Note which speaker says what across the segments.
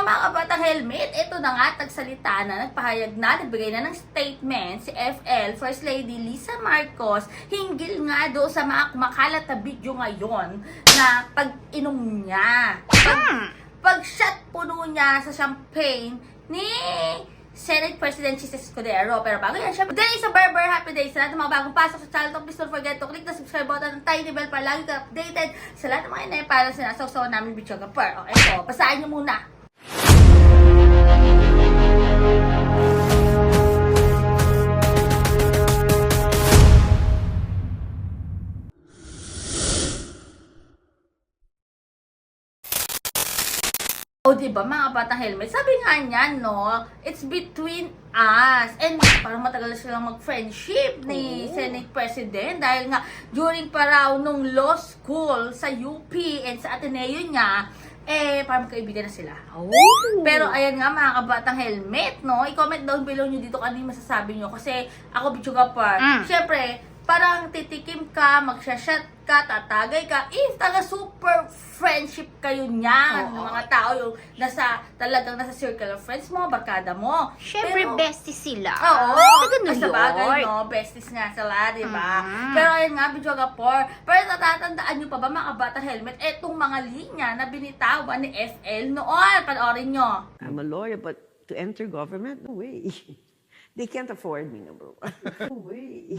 Speaker 1: mga kabatang helmet, ito na nga, nagsalita na, nagpahayag na, nagbigay na ng statement si FL First Lady Lisa Marcos hinggil nga do sa mga kumakalat na video ngayon na pag-inom niya. Pag-shot puno niya sa champagne ni Senate President Jesus Escudero. Pero bago yan, syempre, today is a Berber Happy Day. Sa lahat ng mga bagong pasok sa channel, please don't forget to click the subscribe button and tiny bell para lagi ka updated sa lahat ng mga inay para sinasawsawan namin video kapar. Okay po, basahin nyo muna. O, diba mga batang helmet? Sabi nga niya, no, it's between us. And parang matagal na silang mag-friendship ni Senate President dahil nga during pa raw nung law school sa UP and sa Ateneo niya, parang magkaibigan na sila. Pero ayan nga mga kabatang helmet, no, i-comment down below nyo dito kung ano yung masasabi nyo. Kasi ako, Bichuga Par, syempre, parang titikim ka, magsha-shot ka, tatagay ka, if talaga super friendship kayo niyan, ng mga tao yung talagang nasa circle of friends mo, barkada mo.
Speaker 2: Siyempre, besties sila.
Speaker 1: Oo.
Speaker 2: Taga New
Speaker 1: Sa bagay,
Speaker 2: York.
Speaker 1: no? Besties nga sila, di ba? Pero ayun nga, Bichuga Par, pero natatandaan nyo pa ba mga kabata helmet, etong mga linya na binitawan ni FL noon. Panoorin nyo.
Speaker 3: I'm a lawyer, but to enter government, no way. They can't afford me, number one. No way.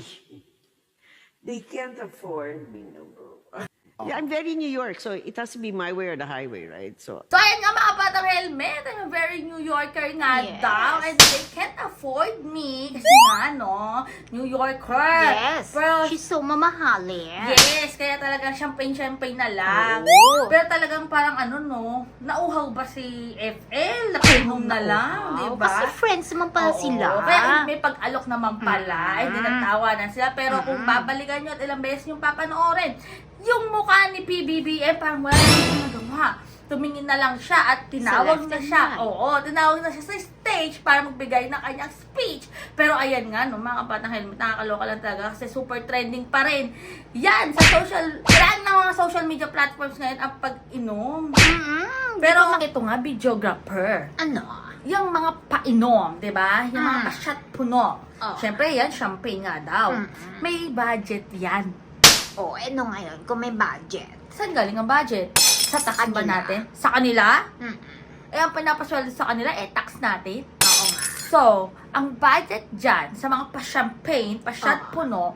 Speaker 3: They can't afford me, number one. Yeah, I'm very New York, so it has to be my way or the highway, right? So
Speaker 1: Ayan nga mga batang helmet, I'm a very New Yorker nga
Speaker 2: Yes.
Speaker 1: daw, and they can't afford me, kasi nga, no, New Yorker.
Speaker 2: Yes.
Speaker 1: Pero,
Speaker 2: She's so mamahalin.
Speaker 1: yes, kaya talagang champagne na lang.
Speaker 2: Oo.
Speaker 1: Pero talagang parang ano, no, nauhaw ba si FL? Nakainom na lang, di ba?
Speaker 2: Kasi friends naman pala
Speaker 1: Oo,
Speaker 2: sila.
Speaker 1: kaya may pag-alok naman pala, hindi nagtawanan sila. Pero kung babalikan nyo at ilang beses yung papanoorin, yung mukha ni PBBM parang wala nang nagawa. Tumingin na lang siya at tinawag
Speaker 2: Sa
Speaker 1: na
Speaker 2: left
Speaker 1: siya.
Speaker 2: hand.
Speaker 1: Oo, tinawag na siya sa stage para magbigay ng kanyang speech. Pero ayan nga, no, mga kapatang helmet, nakakaloka lang talaga kasi super trending pa rin. Yan, sa lahat ng mga social media platforms ngayon ang pag-inom. Pero ito nga, videographer.
Speaker 2: Ano?
Speaker 1: Yung mga painom, di ba? Yung mga pa-shot puno.
Speaker 2: Oh.
Speaker 1: Siyempre, yan, champagne nga daw. May budget yan.
Speaker 2: Ano ngayon? Kung may budget.
Speaker 1: Saan galing ang budget? Sa tax ba
Speaker 2: kanila.
Speaker 1: natin? Sa kanila?
Speaker 2: Mm-mm.
Speaker 1: Ang pinapasweldo sa kanila, tax natin.
Speaker 2: Oo nga.
Speaker 1: So, ang budget dyan, sa mga pa-champagne, pa-shot puno,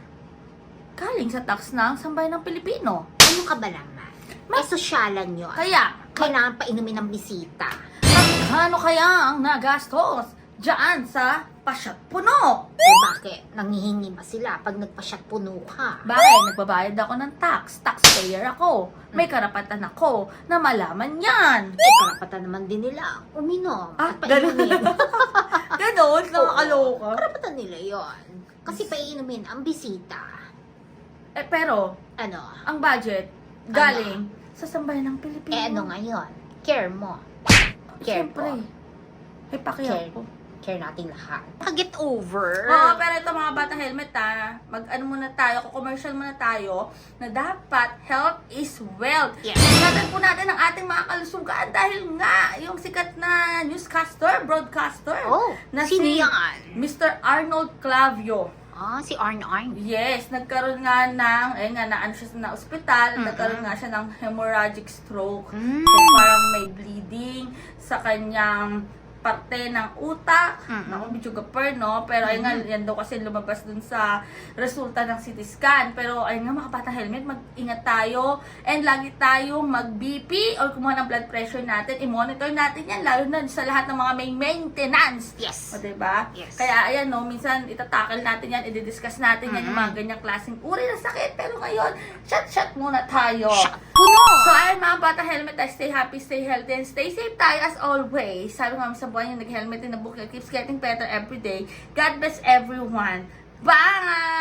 Speaker 1: galing sa tax ng sambayan ng Pilipino.
Speaker 2: Ano ka ba naman? Sosyalan yun.
Speaker 1: Kaya,
Speaker 2: Kailangan pa inumin ng bisita.
Speaker 1: magkano kaya ang nagastos dyan sa pa-shot puno?
Speaker 2: Bakit? Nangihingi ba sila pag nagpa-shot puno ka?
Speaker 1: Bakit? Nagbabayad ako ng tax. Taxpayer ako. May karapatan ako na malaman yan.
Speaker 2: Karapatan naman din nila uminom at
Speaker 1: ganun.
Speaker 2: painumin.
Speaker 1: Ganon, nakakaloka.
Speaker 2: Karapatan nila yon. Kasi painumin ang bisita.
Speaker 1: Pero,
Speaker 2: Ano?
Speaker 1: ang budget, galing sa sambayan ng Pilipino.
Speaker 2: Ano ngayon? Care mo. Care
Speaker 1: Siyempre.
Speaker 2: ko.
Speaker 1: May pakiyak
Speaker 2: Care.
Speaker 1: ko.
Speaker 2: Care natin lahat. Get over.
Speaker 1: Oo, pero ito mga bata helmet mag-ano muna tayo, commercial muna tayo, na dapat health is wealth.
Speaker 2: Yes.
Speaker 1: Ingatan po natin ang ating mga kalusugan dahil nga, yung sikat na broadcaster, na
Speaker 2: sino
Speaker 1: si
Speaker 2: yan?
Speaker 1: Mr. Arnold Clavio.
Speaker 2: Si Arn.
Speaker 1: Yes, nagkaroon nga ng, naano siya na ospital, nagkaroon nga siya ng hemorrhagic stroke. So, parang may bleeding sa kanyang parte ng utak, naku, Bichuga Par, no? Pero ayun nga, yan daw kasi lumabas dun sa resulta ng CT scan. Pero ayun nga, mga batang helmet, mag-ingat tayo and lagi tayong mag-BP or kumuha ng blood pressure natin, i-monitor natin yan, lalo na sa lahat ng mga may maintenance.
Speaker 2: Yes.
Speaker 1: O, diba?
Speaker 2: Yes.
Speaker 1: Kaya ayan, no, minsan itatakal natin yan, i-discuss natin yan, yung mga ganyang klaseng uri ng sakit. Pero ngayon, shot muna tayo.
Speaker 2: Puno!
Speaker 1: So, ayun mga bata helmet, stay happy, stay healthy, and stay safe tayo as always. Sabi nga sa buwan yung nag-helmet in the book, keeps getting better every day. God bless everyone. Bye!